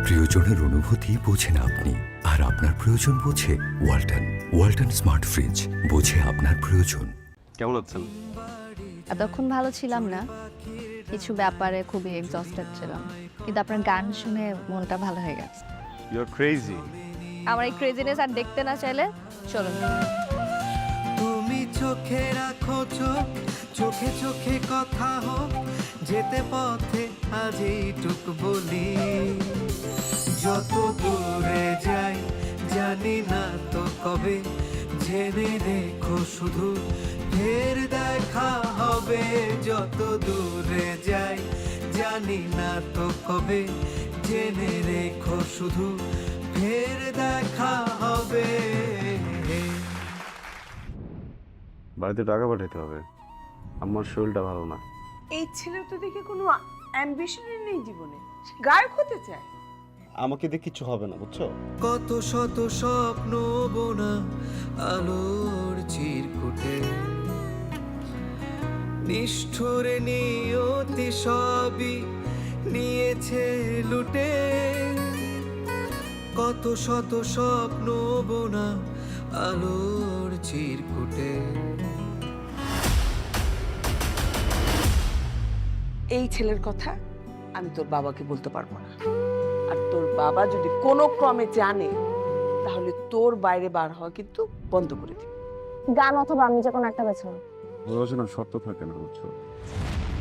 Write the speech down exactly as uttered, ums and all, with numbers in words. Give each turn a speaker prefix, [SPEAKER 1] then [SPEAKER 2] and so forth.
[SPEAKER 1] প্রিয়জনের অনুভূতি বোঝেন আপনি, আর আপনার প্রয়োজন বোঝে ওয়ালটন। ওয়ালটন স্মার্ট ফ্রিজ, বোঝে আপনার প্রয়োজন।
[SPEAKER 2] কেমন আছেন?
[SPEAKER 3] এতক্ষণ ভালো ছিলাম না, কিছু ব্যাপারে খুবই এক্সস্টেড ছিলাম, কিন্তু আপনার গান শুনে মনটা ভালো হয়ে গেছে।
[SPEAKER 2] You are crazy.
[SPEAKER 3] আমার এই ক্রেজিনেস আর দেখতে না চাইলে চলুন।
[SPEAKER 4] তুমি চোখে রাখো চোখ, চোখে চোখে কথা হোক, যেতে পথে আজ এইটুক বলি, যত দূরে যাই জানি না তো কবে, জেনে রেখো শুধু ফের দেখা হবে, যত দূরে যাই জানি না তো কবে, জেনে রেখো শুধু ফের দেখা হবে।
[SPEAKER 2] বাড়িতে টাকা পাঠাতে হবে, আমার শরীরটা ভালো না।
[SPEAKER 5] এই ছেলের তো দেখে কোনো অ্যাম্বিশনই নেই জীবনে, সে গায়ক হতে চায়।
[SPEAKER 2] আমাকে দিয়ে কিছু হবে না, বুঝছো?
[SPEAKER 4] কত শত স্বপ্ন বোনা আলোর চিরকুটে, নিষ্ঠুরে নিয়তি সবই নিয়েছে লুটে, কত শত স্বপ্ন বোনা আলোর চিরকুটে।
[SPEAKER 5] এই ছেলের কথা আমি তোর বাবাকে বলতে পারবো না, আর তোর বাবা যদি কোনো ক্রমে জানে তাহলে তোর বাইরে বার হওয়া কিন্তু বন্ধ করে দিবে।
[SPEAKER 6] গান অথবা আমি যে কোনো একটা বেছে নাও।
[SPEAKER 2] ভালোবাসা না শর্ত থাকে না, বুঝছো?